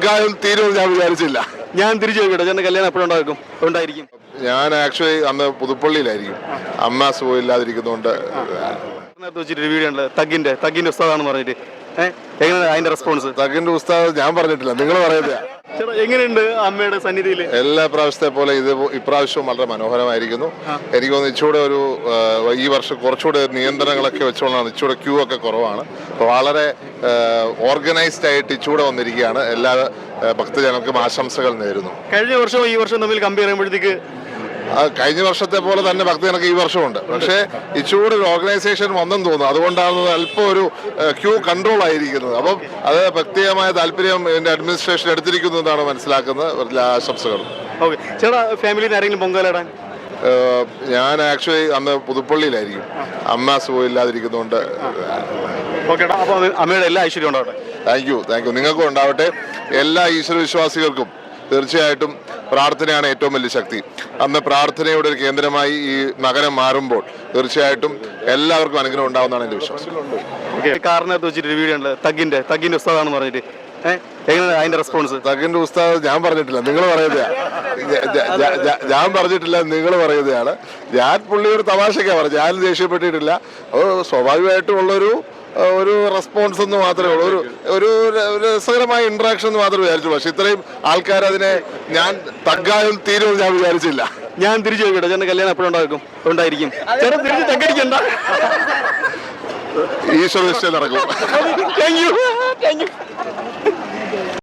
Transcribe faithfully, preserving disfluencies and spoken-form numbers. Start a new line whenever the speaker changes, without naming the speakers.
തഗ്ഗായും തീരുമെന്ന് ഞാൻ വിചാരിച്ചില്ല.
ഞാൻ തിരിച്ചു ചോദിക്കട്ടെ, ചേട്ടൻ്റെ കല്യാണം എപ്പോഴുണ്ടായിരിക്കും ഉണ്ടായിരിക്കും
ഞാൻ ആക്ച്വലി അന്ന് പുതുപ്പള്ളിയിലായിരിക്കും, അമ്മ സുഖമില്ലാതിരിക്കുന്നതുകൊണ്ട്.
വെച്ചിട്ട് വീഡിയോ ഉണ്ട്, തഗ്ഗിന്റെ തഗ്ഗിന്റെ ഉസ്താദാണെന്ന് പറഞ്ഞിട്ട്. ഏഹ് എങ്ങനെയാണ് അതിന്റെ റെസ്പോൺസ്?
തഗ്ഗിന്റെ ഉസ്താദ് ഞാൻ പറഞ്ഞിട്ടില്ല, നിങ്ങൾ പറയുന്നത്.
ചേട്ടാ എങ്ങനെയുണ്ട് അമ്മയുടെ സന്നിധിയിൽ? എല്ലാ
പ്രാവശ്യത്തെ പോലെ ഇത് ഇപ്രാവശ്യവും വളരെ മനോഹരമായിരിക്കുന്നു. എനിക്ക് തോന്നുന്നു ഇച്ചൂടെ ഒരു ഈ വർഷം കുറച്ചുകൂടെ നിയന്ത്രണങ്ങളൊക്കെ വെച്ചുകൊണ്ടാണ് ഇച്ചൂടെ ക്യൂ ഒക്കെ കുറവാണ്. അപ്പോൾ വളരെ ഓർഗനൈസ്ഡ് ആയിട്ട് ഇച്ചൂടെ വന്നിരിക്കുകയാണ്. എല്ലാ ഭക്തജനങ്ങൾക്കും ആശംസകൾ നേരുന്നു.
കഴിഞ്ഞ വർഷവും ഈ വർഷം തമ്മിൽ കമ്പയർ ചെയ്യുമ്പോഴത്തേക്ക്
കഴിഞ്ഞ വർഷത്തെ പോലെ തന്നെ ഭക്തജനക്ക് ഈ വർഷമുണ്ട്. പക്ഷേ ഇച്ചൂടെ ഒരു ഓർഗനൈസേഷൻ വന്നെന്ന് തോന്നുന്നു. അതുകൊണ്ടാണ് അല്പം ഒരു ക്യൂ കൺട്രോൾ ആയിരിക്കുന്നത്. അപ്പം അത് പ്രത്യേകമായ താല്പര്യം എൻ്റെ അഡ്മിനിസ്ട്രേഷൻ എടുത്തിരിക്കുന്നു എന്നാണ് മനസ്സിലാക്കുന്നത്. ആശംസകൾ.
ഓക്കെ ചേട്ടാ, ഫാമിലിയിൽ ആരെങ്കിലും പൊങ്കാലിടാൻ?
ഞാൻ ആക്ച്വലി അന്ന് പുതുപ്പള്ളിയിലായിരിക്കും, അമ്മ സുഖമില്ലാതിരിക്കുന്നതുകൊണ്ട്.
ഓക്കെ, അപ്പോൾ അമ്മയുടെ എല്ലാ ഐശ്വര്യം ഉണ്ടാവട്ടെ.
താങ്ക് യു താങ്ക് യു നിങ്ങൾക്കും ഉണ്ടാവട്ടെ. എല്ലാ ഈശ്വര വിശ്വാസികൾക്കും തീർച്ചയായിട്ടും പ്രാർത്ഥനയാണ് ഏറ്റവും വലിയ ശക്തി. അന്ന് പ്രാർത്ഥനയുടെ ഒരു കേന്ദ്രമായി ഈ നഗരം മാറുമ്പോൾ തീർച്ചയായിട്ടും എല്ലാവർക്കും അനുഗ്രഹം ഉണ്ടാവുന്നതാണ് എൻ്റെ വിശ്വാസം.
കാറിനകത്ത് വെച്ചിട്ട് വീഡിയോ ഉണ്ട്, തഗ്ഗിന്റെ തഗ്ഗിന്റെ ഉസ്താദാണെന്ന് പറഞ്ഞിട്ട്. ഏഹ് എങ്ങനെയാണ് അതിന്റെ റെസ്പോൺസ്?
തഗ്ഗിന്റെ ഉസ്താദ് ഞാൻ പറഞ്ഞിട്ടില്ല, നിങ്ങൾ പറയുന്നതാണ്. ഞാൻ പറഞ്ഞിട്ടില്ല, നിങ്ങൾ പറയുന്നതാണ്. ഞാൻ പുള്ളിയൊരു തമാശയ്ക്കാണ് പറഞ്ഞു, ഞാൻ ദേഷ്യപ്പെട്ടിട്ടില്ല. അത് സ്വാഭാവികമായിട്ടും ഉള്ളൊരു ഒരു റെസ്പോൺസ് എന്ന് മാത്രമേ ഉള്ളൂ, ഒരു ഒരു രസകരമായ ഇന്ററാക്ഷൻ എന്ന് മാത്രമേ വിചാരിച്ചു. പക്ഷെ ഇത്രയും ആൾക്കാർ അതിനെ ഞാൻ തഗ്ഗായും തീരുമെന്ന് ഞാൻ വിചാരിച്ചില്ല.
ഞാൻ തിരിച്ചു ചോദിക്കട്ടെ, ചേട്ടൻ്റെ കല്യാണം എപ്പോഴുണ്ടായിരിക്കും ഉണ്ടായിരിക്കും ചേട്ടൻ തിരിച്ച് തഗ്ഗടിക്കണ്ട.
ഈശ്വര നിശ്ചയം നടക്കും.
Thank you thank you